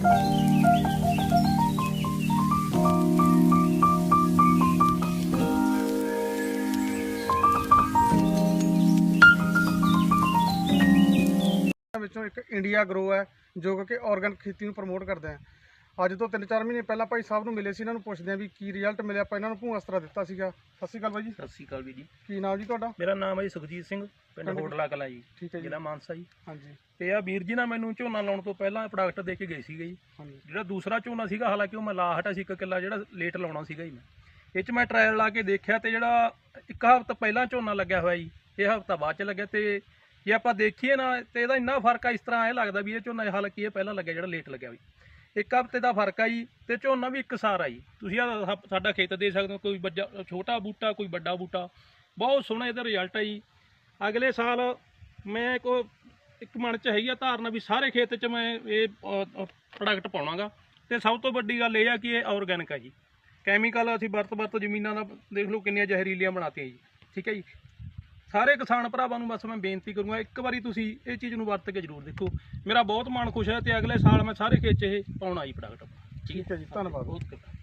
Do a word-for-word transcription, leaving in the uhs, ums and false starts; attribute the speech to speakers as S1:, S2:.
S1: ਵਿੱਚੋਂ ਇੱਕ India grow ਹੈ ਜੋ ਕਿ ਆਰਗੈਨਿਕ ਖੇਤੀ ਨੂੰ ਪ੍ਰਮੋਟ ਕਰਦਾ ਹੈ। ਅੱਜ ਤੋਂ ਤਿੰਨ ਚਾਰ ਮਹੀਨੇ ਪਹਿਲਾਂ ਭਾਈ ਸਾਹਿਬ ਨੂੰ ਮਿਲੇ ਸੀ, ਇਹਨਾਂ ਨੂੰ ਪੁੱਛਦੇ ਹਾਂ ਵੀ ਕੀ ਰਿਜ਼ਲਟ ਮਿਲਿਆ। ਆਪਾਂ ਇਹਨਾਂ ਨੂੰ ਭੂਆ ਅਸਤਰਾ ਦਿੱਤਾ ਸੀਗਾ। ਸਤਿ ਸ਼੍ਰੀ ਅਕਾਲ ਬਾਈ ਜੀ।
S2: ਸਤਿ ਸ਼੍ਰੀ ਅਕਾਲ ਵੀ ਜੀ।
S1: ਕੀ ਨਾਮ ਜੀ ਤੁਹਾਡਾ?
S2: ਮੇਰਾ ਨਾਮ ਹੈ ਜੀ ਸੁਖਜੀਤ ਸਿੰਘ, ਪਿੰਡ ਹੋਟਲਾ ਕਲਾਂ ਜੀ,
S1: ਠੀਕ ਹੈ ਜੀ,
S2: ਜ਼ਿਲ੍ਹਾ ਮਾਨਸਾ ਜੀ।
S1: ਹਾਂਜੀ।
S2: ਤੇ ਆ ਵੀਰ ਜੀ ਨਾਲ ਮੈਨੂੰ ਝੋਨਾ ਲਾਉਣ ਤੋਂ ਪਹਿਲਾਂ ਪ੍ਰੋਡਕਟ ਦੇ ਕੇ ਗਏ ਸੀਗੇ ਜੀ।
S1: ਹਾਂਜੀ।
S2: ਜਿਹੜਾ ਦੂਸਰਾ ਝੋਨਾ ਸੀਗਾ, ਹਾਲਾਂਕਿ ਉਹ ਮੈਂ ਲਾ ਹਟਾ ਸੀ ਇੱਕ ਕਿੱਲਾ, ਜਿਹੜਾ ਲੇਟ ਲਾਉਣਾ ਸੀਗਾ ਜੀ ਮੈਂ। ਇਹ 'ਚ ਮੈਂ ਟਰਾਇਲ ਲਾ ਕੇ ਦੇਖਿਆ ਤੇ ਜਿਹੜਾ ਇੱਕ ਹਫ਼ਤਾ ਪਹਿਲਾਂ ਝੋਨਾ ਲੱਗਿਆ ਹੋਇਆ ਜੀ, ਇਹ ਹਫ਼ਤਾ ਬਾਅਦ 'ਚ ਲੱਗਿਆ। ਤੇ ਜੇ ਆਪਾਂ ਦੇਖੀਏ ਨਾ ਤੇ ਇਹਦਾ ਇੰਨਾ ਫਰਕ ਆ, ਇਸ ਤਰ੍ਹਾਂ ਇਹ ਲੱਗਦਾ ਵੀ ਇਹ ਝੋਨਾ ਹਾਲਾਂਕਿ ਇਹ ਪਹਿਲਾਂ ਲੱਗਿਆ ਜਿਹੜਾ ਲੇਟ ਲੱਗਿਆ ਵੀ। ਇੱਕ ਹਫ਼ਤੇ ਦਾ ਫਰਕ ਆ ਜੀ। ਤੇ ਝੋਨਾ ਵੀ ਇੱਕ ਸਾਰ ਆ ਜੀ। ਤੁਸੀਂ ਆ ਸਾਡਾ ਖੇਤ ਦੇ ਸਕਦੇ ਹੋ, ਕੋਈ ਵੱਡਾ ਛੋਟਾ ਬੂਟਾ, ਕੋਈ ਵੱਡਾ ਬੂਟਾ, ਬਹੁਤ ਸੋਹਣਾ ਇਹਦਾ ਰਿਜ਼ਲਟ ਹੈ ਜੀ। ਅਗਲੇ ਸਾਲ ਮੈਂ ਕੋ ਇੱਕ ਮਨ 'ਚ ਹੈਗੀ ਆ ਧਾਰਨਾ ਵੀ ਸਾਰੇ ਖੇਤ 'ਚ ਮੈਂ ਇਹ ਪ੍ਰੋਡਕਟ ਪਾਉਣਾਗਾ। ਤੇ ਸਭ ਤੋਂ ਵੱਡੀ ਗੱਲ ਇਹ ਆ ਕਿ ਇਹ ਆਰਗੈਨਿਕ ਹੈ ਜੀ। ਕੈਮੀਕਲ ਅਸੀਂ ਵਰਤ ਵਰਤ ਜ਼ਮੀਨਾਂ ਦਾ ਦੇਖ ਲਓ ਕਿੰਨੀਆਂ ਜ਼ਹਿਰੀਲੀਆਂ ਬਣਾਤੀਆਂ ਜੀ। ਠੀਕ ਹੈ ਜੀ। ਸਾਰੇ ਕਿਸਾਨ ਭਰਾਵਾਂ ਨੂੰ ਬਸ ਮੈਂ ਬੇਨਤੀ ਕਰੂੰਗਾ, ਇੱਕ ਵਾਰੀ ਤੁਸੀਂ ਇਹ ਚੀਜ਼ ਨੂੰ ਵਰਤ ਕੇ ਜ਼ਰੂਰ ਦੇਖੋ। ਮੇਰਾ ਬਹੁਤ ਮਨ ਖੁਸ਼ ਹੈ ਤੇ ਅਗਲੇ ਸਾਲ ਮੈਂ ਸਾਰੇ ਖੇਤ 'ਚ ਇਹ ਪਾਉਣਾ ਜੀ ਪ੍ਰੋਡਕਟ।
S1: ਠੀਕ ਹੈ ਜੀ, ਧੰਨਵਾਦ।
S2: ਬਹੁਤ